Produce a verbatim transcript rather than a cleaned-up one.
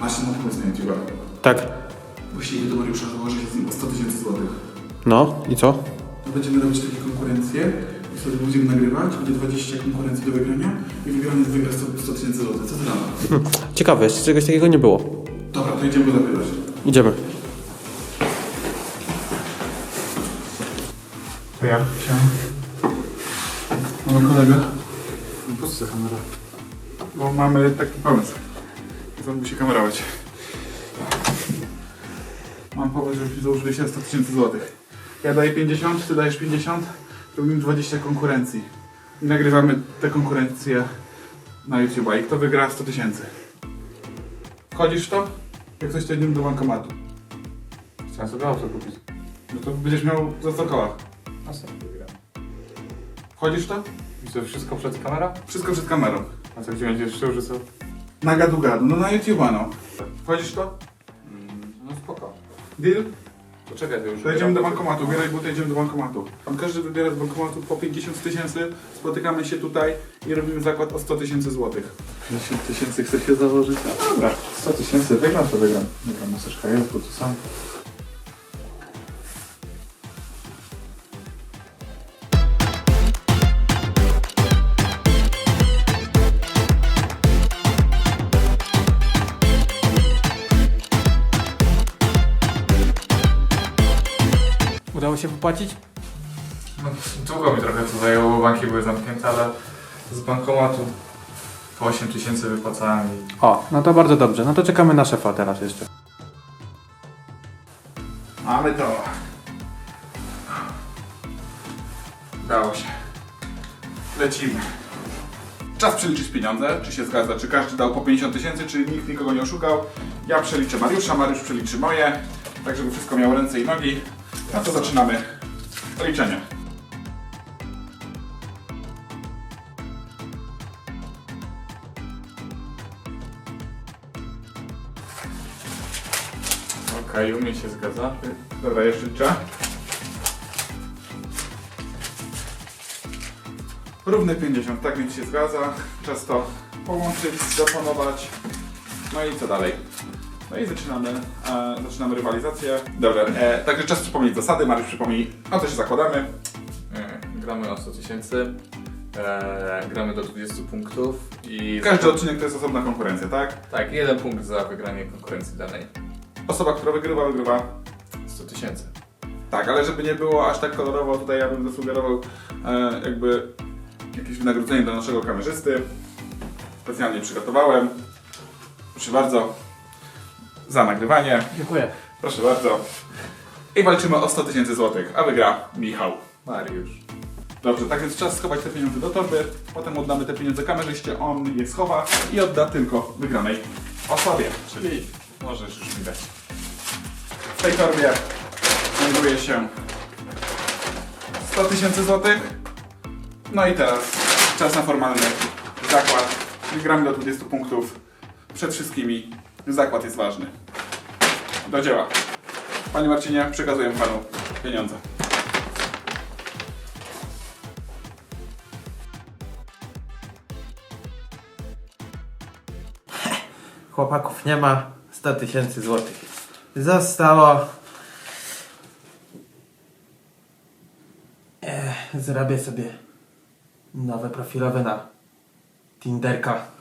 właśnie na pomysł na YouTube'a. Tak. Musieli do Mariusza założyć z nim o sto tysięcy złotych. No i co? To będziemy robić takie konkurencje i wtedy będziemy nagrywać, będzie dwadzieścia konkurencji do wygrania i wygrany wygra sto tysięcy złotych. Co ty na to? Hm. Ciekawe, jeszcze czegoś takiego nie było. Dobra, to idziemy go zapytać. Idziemy. To ja chciałem. Mamy kolegę. Po co ta kamera? Bo mamy taki pomysł. To musi kamerować. Mam pomysł, żebyśmy założyli się sto tysięcy złotych. Ja daję pięćdziesiąt, ty dajesz pięćdziesiąt, robimy dwadzieścia konkurencji. I nagrywamy te konkurencje na YouTube'a i kto wygra sto tysięcy. Wchodzisz w to? Jak coś to idziemy do bankomatu. Chciałem sobie auto kupić. No to będziesz miał za sto koła. A co wygram? Wchodzisz w to? I to wszystko przed kamerą? Wszystko przed kamerą. A co, gdzie będziesz szył, że co? Na gadu gadu, no na YouTube'a no. Wchodzisz w to? Mm, no spoko. Deal? To czekaj, to już... To idziemy do bankomatu, bieraj butę, idziemy do bankomatu. Tam każdy wybiera z bankomatu po pięćdziesiąt tysięcy, spotykamy się tutaj i robimy zakład o sto tysięcy złotych. pięćdziesiąt tysięcy chce się założyć? No dobra, sto tysięcy, wygram to wygram. Dobra, maseczka jest, bo tu sam. Udało się wypłacić? No, długo mi trochę to zajęło, bo banki były zamknięte, ale z bankomatu po osiem tysięcy wypłacałem i... O, no to bardzo dobrze. No to czekamy na szefa teraz jeszcze. Mamy to. Udało się. Lecimy. Czas przeliczyć pieniądze, czy się zgadza, czy każdy dał po pięćdziesiąt tysięcy, czy nikt nikogo nie oszukał. Ja przeliczę Mariusza, Mariusz przeliczy moje, tak żeby wszystko miało ręce i nogi. No to zaczynamy liczenie. Okej, u mnie się zgadza. Dobra, jeszcze liczę. Równe pięćdziesiąt, tak więc się zgadza. Czas to połączyć, zaplanować. No i co dalej? No i zaczynamy, e, zaczynamy rywalizację. Dobra, e, także czas przypomnieć zasady. Mariusz przypomnij, o co się zakładamy. E, gramy na sto tysięcy, e, gramy do dwudziestu punktów i... Każdy odcinek to jest osobna konkurencja, tak? Tak, jeden punkt za wygranie konkurencji danej. Osoba, która wygrywa, wygrywa. sto tysięcy. Tak, ale żeby nie było aż tak kolorowo, tutaj ja bym zasugerował e, jakby jakieś wynagrodzenie dla naszego kamerzysty. Specjalnie przygotowałem. Proszę bardzo. Za nagrywanie. Dziękuję. Proszę bardzo. I walczymy o sto tysięcy złotych, a wygra Michał. Mariusz. Dobrze, tak więc czas schować te pieniądze do torby. Potem oddamy te pieniądze kamerzyście, on je schowa i odda tylko wygranej osobie. Czyli możesz już mi dać. W tej torbie znajduje się sto tysięcy złotych. No i teraz czas na formalny zakład. Gramy do dwudziestu punktów. Przed wszystkimi zakład jest ważny. Do dzieła. Panie Marcinie, przekazuję panu pieniądze. Chłopaków nie ma, sto tysięcy złotych. Zostało... Ech, zrobię sobie nowe profilowe na Tinderka.